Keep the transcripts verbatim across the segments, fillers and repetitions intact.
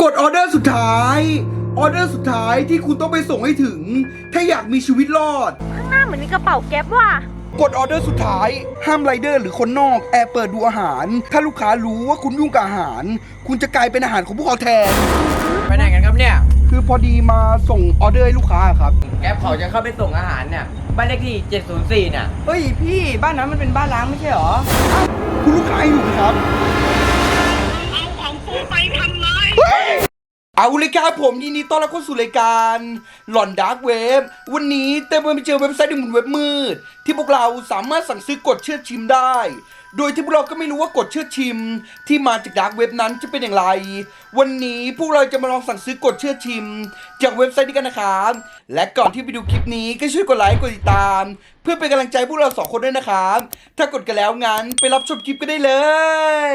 กดออเดอร์สุดท้ายออเดอร์สุดท้ายที่คุณต้องไปส่งให้ถึงถ้าอยากมีชีวิตรอดข้างหน้าเหมือนมีกระเป๋าแก๊ปว่ะกดออเดอร์สุดท้ายห้ามไรเดอร์หรือคนนอกแอบเปิดดูอาหารถ้าลูกค้ารู้ว่าคุณยุ่งกับอาหารคุณจะกลายเป็นอาหารของพวกเขาแทนไปไหนกันครับเนี่ยคือพอดีมาส่งออเดอร์ให้ลูกค้าครับแก๊ปเขาจะเข้าไปส่งอาหารเนี่ยบ้านเลขที่เจ็ดศูนย์สี่เนี่ยเฮ้ยพี่บ้านนั้นมันเป็นบ้านล้างไม่ใช่หรอคุณลูกค้าอยู่ไหมครับเอาของกูไปทำไมเอาเลยครับผมยินดีต้อนรับเข้าสู่รายการหลอนดาร์กเว็บวันนี้เต็มไปเจอเว็บไซต์หนึ่งบนเว็บมืดที่พวกเราสามารถสั่งซื้อกดเชื่อชิมได้โดยที่พวกเราก็ไม่รู้ว่ากดเชื่อชิมที่มาจากดาร์กเว็บนั้นจะเป็นอย่างไรวันนี้พวกเราจะมาลองสั่งซื้อกดเชื่อชิมจากเว็บไซต์นี้กันนะครับและก่อนที่ไปดูคลิปนี้ก็ช่วยกดไลค์กดติดตามเพื่อเป็นกำลังใจพวกเราสองคนด้วยนะครับถ้ากดกันแล้วงั้นไปรับชมคลิปกันได้เลย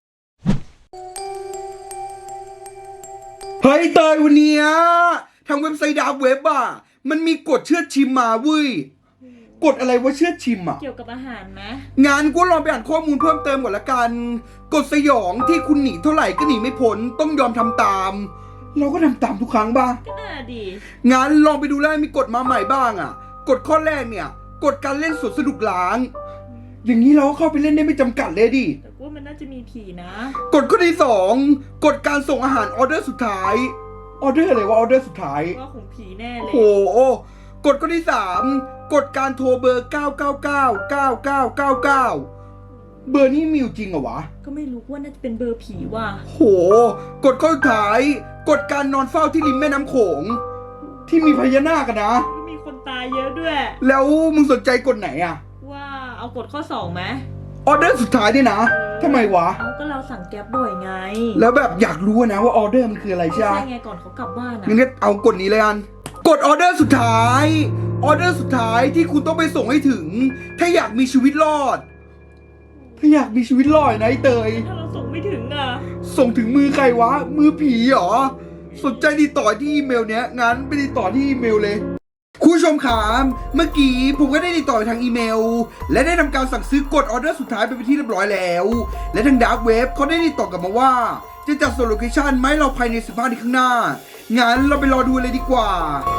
เฮ้ยเตยวันนี้ทางเว็บไซต์ดาร์กเว็บอ่ะมันมีกดเชื่อชิมมาเว้ยกดอะไรว่าเชื่อชิมอ่ะเกี่ยวกับอาหารไหมงานกูลองไปอ่านข้อมูลเพิ่มเติมก่อนละกันกดสยองที่คุณหนีเท่าไหร่ก็หนีไม่พ้นต้องยอมทำตามเราก็ทำตามทุกครั้งบ้างก็น่าดีงานลองไปดูแล้วมีกฎมาใหม่บ้างอ่ะกฎข้อแรกเนี่ยกฎการเล่นสวนสนุกล้างอย่างนี้เราก็เข้าไปเล่นได้ไม่จำกัดเลยดิแต่ว่ามันน่าจะมีผีนะกฎข้อที่สองกฎการส่งอาหารออเดอร์สุดท้ายออเดอร์อะไรวะออเดอร์สุดท้ายว่าของผีแน่เลยโอ้โหกฎข้อที่สามกฎการโทรเบอร์เก้าเก้าเก้า เก้าเก้าเก้าเก้าเบอร์นี้มีอยู่จริงเหรอวะก็ไม่รู้ว่าน่าจะเป็นเบอร์ผีว่ะโหกฎข้อสุดท้ายกฎการนอนเฝ้าที่ริมแม่น้ำโขงที่มีพญานาคกันนะมีคนตายเยอะด้วยแล้วมึงสนใจกฎไหนอะว่าเอากฎข้อสองไหมออเดอร์สุดท้ายด้วยนะทำไมวะเอาก็เราสั่งแก๊ปบ่อยไงแล้วแบบอยากรู้นะว่าออเดอร์มันคืออะไรใช่ไหมใช่ไงก่อนเขากลับบ้านนะงั้นเอากฎนี้เลยอันกฎออเดอร์สุดท้ายออเดอร์สุดท้ายที่คุณต้องไปส่งให้ถึงถ้าอยากมีชีวิตรอดถ้าอยากมีชีวิตรอดนะไอ้เตยถ้าเราส่งไม่ถึงอ่ะส่งถึงมือใครวะมือผีเหรอสนใจติดต่อที่อีเมลเนี้ยงั้นไปติดต่อที่อีเมลเลยคุณผู้ชมครับเมื่อกี้ผมก็ได้ติดต่อไปทางอีเมลและได้ทำการสั่งซื้อกดออเดอร์สุดท้ายไปเป็นที่เรียบร้อยแล้วและทางดาร์กเว็บเขาได้ติดต่อกลับมาว่าจะจัดส่งโลเคชั่นไหมเราภายในสิบห้านาทีข้างหน้างั้นเราไปรอดูเลยดีกว่า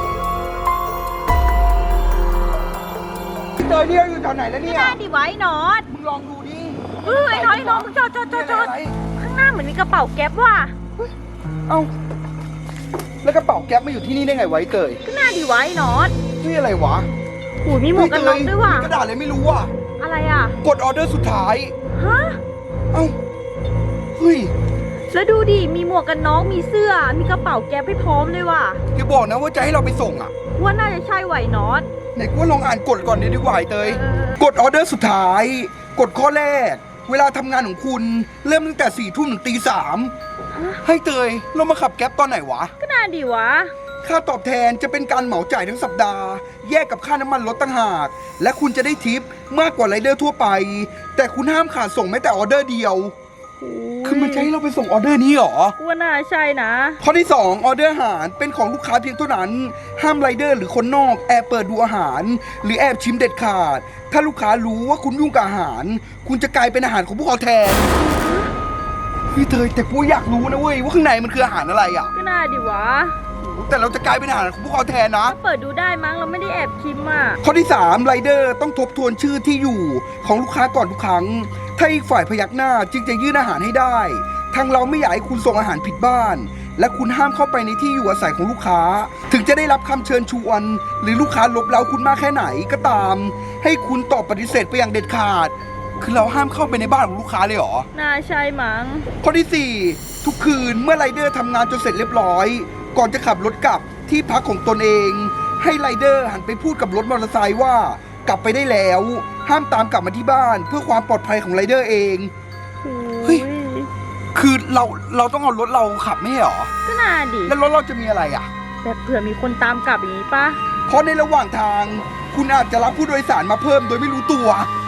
เจอเนี่ยอยู่แถวไหนแล้วเนี่ยน่าดีไว้นอตมึงลองดูดิเฮ้ยน้อยน้องมึงจอดจอดจอดจอดข้างหน้าเหมือนมีกระเป๋าแก๊ปว่ะเอ้าแล้วกระเป๋าแก๊ปมาอยู่ที่นี่ได้ไงไว้เตยก็น่าดีไว้นอตนี่อะไรวะหูมีหมวกกันน็อกด้วยว่ะกระดาษอะไรไม่รู้ว่ะอะไรอ่ะกดออเดอร์สุดท้ายฮะเอ้าเฮ้ยแล้วดูดิมีหมวกกันน็อกมีเสื้อมีกระเป๋าแก๊ปให้พร้อมเลยว่ะอย่าบอกนะว่าจะให้เราไปส่งอ่ะว่าน่าจะใช่ไหวนอตไหนกูลองอ่านกฎก่อนดีกว่าเตยกดออเดอร์สุดท้ายกฎข้อแรกเวลาทำงานของคุณเริ่มตั้งแต่สี่ทุ่มถึงตีสามให้เตยเรามาขับแก๊ปตอนไหนวะก็น่าดีวะค่าตอบแทนจะเป็นการเหมาจ่ายทั้งสัปดาห์แยกกับค่าน้ำมันรถต่างหากและคุณจะได้ทิปมากกว่าไรเดอร์ทั่วไปแต่คุณห้ามขาดส่งแม้แต่ออเดอร์เดียวคือมันจะให้เราไปส่งออเดอร์นี้หรอว่าน่าใช่นะข้อที่สองออเดอร์อาหารเป็นของลูกค้าเพียงเท่านั้นห้ามไรเดอร์หรือคนนอกแอบเปิดดูอาหารหรือแอบชิมเด็ดขาดถ้าลูกค้ารู้ว่าคุณยุ่งกับอาหารคุณจะกลายเป็นอาหารของพวกเขาแทนพี่เตยแต่กูอยากรู้นะเว้ยว่าข้างในมันคืออาหารอะไรอ่ะก็น่าดีวะแต่เราจะกลายเป็นอาหารของพวกเขาแทนนะเปิดดูได้มั้งเราไม่ได้แอบชิมอ่ะข้อที่สามไรเดอร์ต้องทบทวนชื่อที่อยู่ของลูกค้าก่อนทุกครั้งถ้าอีกฝ่ายพยักหน้าจึงจะยื่นอาหารให้ได้ทางเราไม่อยากให้คุณส่งอาหารผิดบ้านและคุณห้ามเข้าไปในที่อยู่อาศัยของลูกค้าถึงจะได้รับคำเชิญชวนหรือลูกค้าลบเล้าคุณมากแค่ไหนก็ตามให้คุณตอบปฏิเสธไปอย่างเด็ดขาดคือเราห้ามเข้าไปในบ้านของลูกค้าเลยเหรอน่าใช่มั้งข้อที่สี่ทุกคืนเมื่อไรเดอร์ทำงานจนเสร็จเรียบร้อยก่อนจะขับรถกลับที่พักของตนเองให้ไรเดอร์หันไปพูดกับรถมอเตอร์ไซค์ว่ากลับไปได้แล้วห้ามตามกลับมาที่บ้านเพื่อความปลอดภัยของไรเดอร์เองเฮ้ยคือเราเราต้องเอารถเราขับไม่ใช่หรอก็น่าดีแล้วรถเราจะมีอะไรอ่ะแบบเผื่อมีคนตามกลับอย่างนี้ปะเพราะในระหว่างทางคุณอาจจะรับผู้โดยสารมาเพิ่มโดยไม่รู้ตัว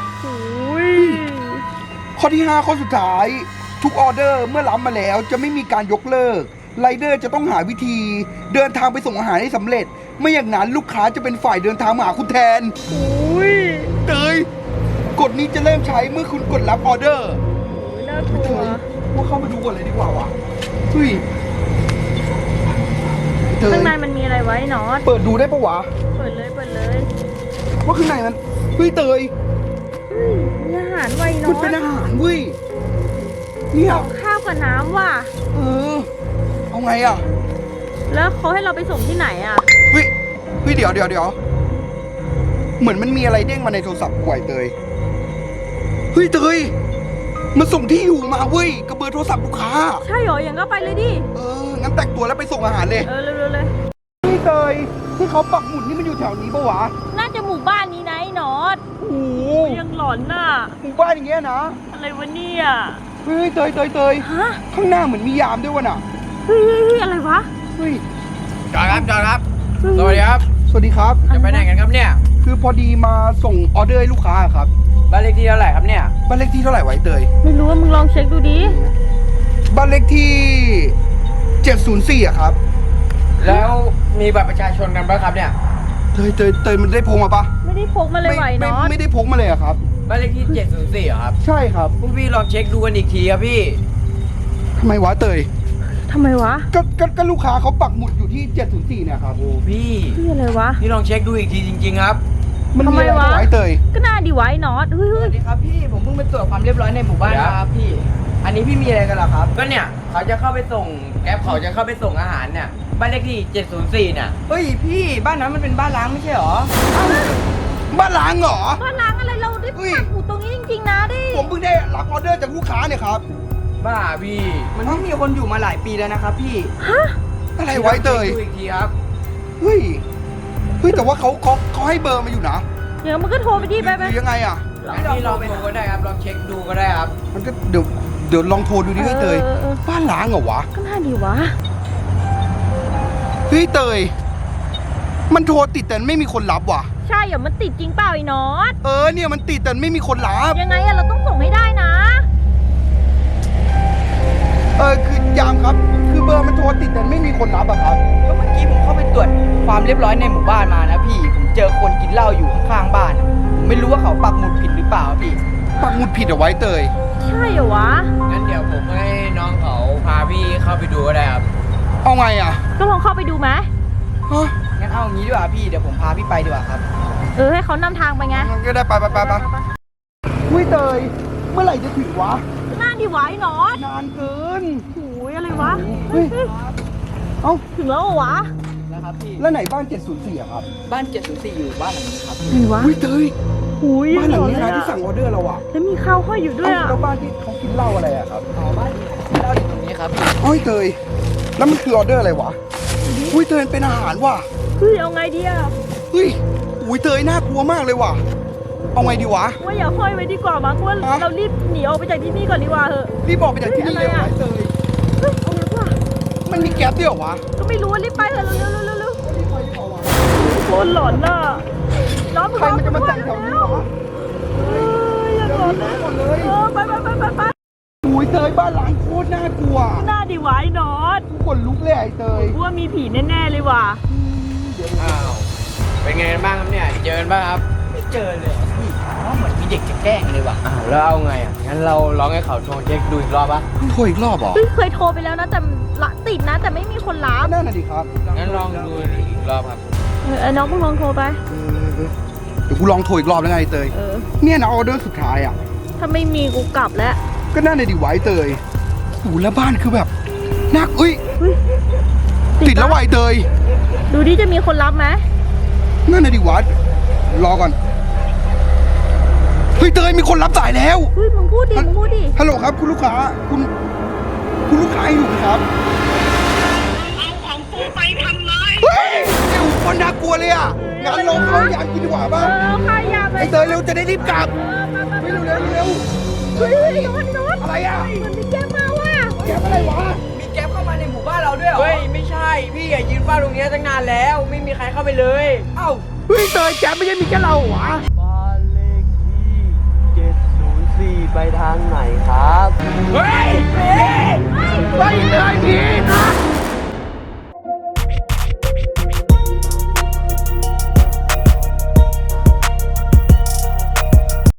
ข้อที่ห้าข้อสุดท้ายทุกออเดอร์เมื่อรับมาแล้วจะไม่มีการยกเลิกไรเดอร์จะต้องหาวิธีเดินทางไปส่งอาหารให้สำเร็จไม่อย่างนั้นลูกค้าจะเป็นฝ่ายเดินทางมาหาคุณแทนอุ้ยเตยกฎนี้จะเริ่มใช้เมื่อคุณกดรับออเดอร์น่ากลัวว่าเข้ามาดูก่อนเลยดีกว่าวะเฮ้ยว้น็อตเปิดดูได้ปะวะเปิดเลยเปิดเลยว่าข้างในมันเฮ้ยเตยเฮ้ยมีอาหารไว้น็อมันตเป็นอาหารเว้ยเนี่ยข้าวกับน้ำว่ะเออเอาไงอ่ะแล้วเขาให้เราไปส่งที่ไหนอ่ะเฮ้ยเฮ้ยเดี๋ยวเดี๋ยวเดี๋ยวเหมือนมันมีอะไรเด้งมาในโทรศัพท์กูไอ้เตยเฮ้ยเตยมันส่งที่อยู่มาเว้ยกับเบอร์โทรศัพท์ลูกค้าใช่เหรออย่างก็ไปเลยดิเอองั้นแต่งตัวแล้วไปส่งอาหารเลยเออเร็วๆเลยเฮ้ยเตยที่เขาปักหมุดนี่มันอยู่แถวนี้ปะวะน่าจะหมู่บ้านนี้นะไอ้น็อตโอ้โหยังหลอนน่ะหมู่บ้านอย่างเงี้ยนะอะไรวะเนี่ยเฮ้ยเตยเตยเตยฮะข้างหน้าเหมือนมียามด้วยวะน่ะเฮ้ยเฮ้ยเฮ้ยอะไรวะเฮ้ยจอดครับจอดครับ สวัสดีครับสวัสดีครับจะไปไหนกันครับเนี่ยคือพอดีมาส่งออเดอร์ให้ลูกค้าครับบ้านเลขที่เท่าไหร่ครับเนี่ยบ้านเลขที่เท่าไหร่ไวะไอ้เตยไม่รู้ว่ามึงลองเช็คดูดิบ้านเลขที่เจ็ดศูนย์สี่อะครับแล้วมีบัตรประชาชนกันปะครับเนี่ยเตยเตยเตยมันได้พกมาปะไม่ได้พกมาเลยไหวไม่น็อตไม่ได้พกมาเลยอะครับบ้านเลขที่เจ็ดศูนย์สี่เหรอครับใช่ครับพวกพี่ลองเช็คดูกันอีกทีครับพี่ทำไมวะเตยทำไมวะก็ก็ก็ลูกค้าเขาปักหมุดอยู่ที่เจ็ดศูนย์สี่เนี่ยครับโอ้พี่เฮ้ยอะไรวะพี่ลองเช็คดูอีกทีจริง ๆ ครับมันทำไมอะไรวะไว้เตยก็น่าดีไว้น็อตเฮ้ยสเฮ้วัยสดีครับพี่ ผมเพิ่งไปตรวจความเรียบร้อยในหมู่บ้านเดี๋ยวครับพี่ อันนี้พี่มีอะไรกันเหรอครับก็เนี่ยเขาจะเข้าไปส่งแก๊ปเขาจะเข้าไปส่งอาหารเนี่ย บ้านเลขที่เจ็ดศูนย์สี่เนี่ยเฮ้ยพี่บ้านนั้นมันเป็นบ้านร้างไม่ใช่เหรอบ้านล้างเหรอบ้านล้างอะไรเราได้เฮ้ยปักหมุดตรงนี้จริงๆนะดิผมเพิ่งได้รับออเดอร์จากลูกค้าเนี่ยครับบ้าพี่มันไม่มีคนอยู่มาหลายปีแล้วนะครับพี่ฮะอะไรไว้เตยดูอีกทีครับเฮ้ย เฮ้ยแต่ว่าเขาเขาเขาให้เบอร์มาอยู่นะเดี๋ยวมันก็โทรไปดิไปไปหรือยังไงอ่ะงั้นพี่ลองดูก็ได้ครับ ลองเช็คดูก็ได้ครับมันก็เดี๋ยวเดี๋ยวลองโทรดูดิเฮ้ยเตยออออบ้านล้างเหรอวะก็น่าดีวะเฮ้ยเตย มันโทรติดแต่ไม่มีคนรับว่ะใช่เหรอมันติดจริงเปล่าไอ้น็อตเออเนี่ยมันติดแต่ไม่มีคนรับยังไงอะเราต้องส่งให้ได้นะเออคือยามครับ คือเบอร์มันโทรติดแต่ไม่มีคนรับอะครับก็เมื่อกี้ผมเข้าไปตรวจความเรียบร้อยในหมู่บ้านมานะพี่ ผมเจอคนกินเหล้าอยู่ข้างๆบ้านอะผมไม่รู้ว่าเขาปักหมุดผิดหรือเปล่าพี่ปักหมุดผิดเอาไว้เตยใช่เหรอวะงั้นเดี๋ยวผมให้น้องเขาพาพี่เข้าไปดูก็ได้ครับเอาไงอะก็ลองเข้าไปดูไหมฮะงั้นเอางี้ดีกว่าพี่ เดี๋ยวผมพาพี่ไปดีกว่าครับเออให้เขานำทางไปไงงั้นก็ได้ไปไปไปไปอุ้ยเตย เมื่อไหร่จะถึงวะก็น่าดีวะไอ้น็อตนานเกินโอ้ยอะไรวะเฮ้ย เอ้าถึงแล้วเหรอวะนะครับพี่แล้วไหนบ้านเจ็ดศูนย์สี่อะครับบ้านเจ็ดศูนย์สี่อยู่บ้านหลังนี้ครับไหนวะอุ้ยเตยอุ้ยบ้านหลังนี้เลนะยที่อะสั่งออเดอร์เราอะแล้วมีข้าวห้อยอยู่ด้วยอะแล้วบ้านที่เขากินเหล้าอะไรอะครับอ๋อบ้านที่เราอยู่ตรงนี้ครับโอ้ยเตย แล้วมันคือออเดอร์อะไรวะ อุ้ยเตยเป็นอาหารว่ะเฮ้ยเอาไงดีอะเฮ้ยอุ้ยเตยน่ากลัวมากเลยว่ะ เอาไงดีวะว่าอย่าห้อยไว้ดีกว่ามั้งว่าฮะเรารีบหนีออกไปจากที่นี่ก่อนดีกว่าเหอะรีบบอกไปจากที่นี่เลยเฮ้ยอะไรวะอะเตยเฮ้ยเอาไงวะมันมีแก๊ปด้วยเหรอวะก็ไม่รู้ว่ารีบไปเถอะเร็วๆเร็วๆเร็วรีบไปดีกว่าวะๆโคตรหลอนน่ะน้องใครมันจะมาแต่งแถวนี้วะเฮ้ยยังหลอนเลยหมดเลยเออไปไปไปไปไปอุ้ยเตยบ้านหลังโคตรน่ากลัวหน้าดีไว้น็อตกูขนลุกเลยไอ้เตยว่ามีผีแน่ๆเลยว่ะอ้าว เป็นไงกันบ้างครับเนี่ย เจอกันบ้างครับไม่เจอเลยอะพี่อ๋อเหมือนมีเด็กจะแกล้งเลยว่ะอ้าวแล้วเอาไงอ่ะ งั้นเราลองให้เขาโทรเช็คดูอีกรอบปะโทรอีกรอบเหรอเฮ้ยเคยโทรไปแล้วนะแต่ละติดนะ แต่ไม่มีคนรับนั่นน่ะดิครับงั้นลองดูอีกรอบครับเออเออน้องมึงลองโทรไปเออเออเดี๋ยวกูลองโทรอีกรอบแล้วไงไอ้เตยเออเนี่ยนะออเดอร์สุดท้ายอ่ะถ้าไม่มีกูกลับแล้วก็น่าจะดีไว้เตยโอ้โหแล้วบ้านคือแบบน่าอุ้ยเฮ้ยติดแล้วไวะไอ้เตยดูดิจะมีคนรับไหมนั่นน่ะดิวัดรอก่อน เฮ้ยเตยมีคนรับสายแล้วเฮ้ยมึงพูดดิมึงพูดดิฮัลโหลครับคุณลูกค้า คุณ คุณลูกค้าอยู่ไหมครับเอาของกูไปทำไมเฮ้ยเดี๋ยวคนน่ากลัวเลยอ่ะงั้นลองเข้ายามกินดีกว่าเอป่ะอเอาค่ายาไปไอ้เตยเร็วจะได้รีบกลับเออมามาเฮ้ยมาเร็วเร็วเร็วเฮ้ยเฮ้ยโน้ตโน้ตอะไรอ่ะมันมีแก้มาว่ะแกอะไรวะมีแก๊ปเข้ามาในหมู่บ้านเราด้วยเหรอเฮ้ย ไม่ใช่ พี่อย่ายืนเฝ้าตรงเนี้ยตั้งนานแล้ว ไม่มีใครเข้าไปเลยเอ้าเฮ้ยเตยแกไม่ใช่มีแค่เราเหรอวะบ้านเลขที่เจ็ดศูนย์สี่ไปทางไหนครับเฮ้ย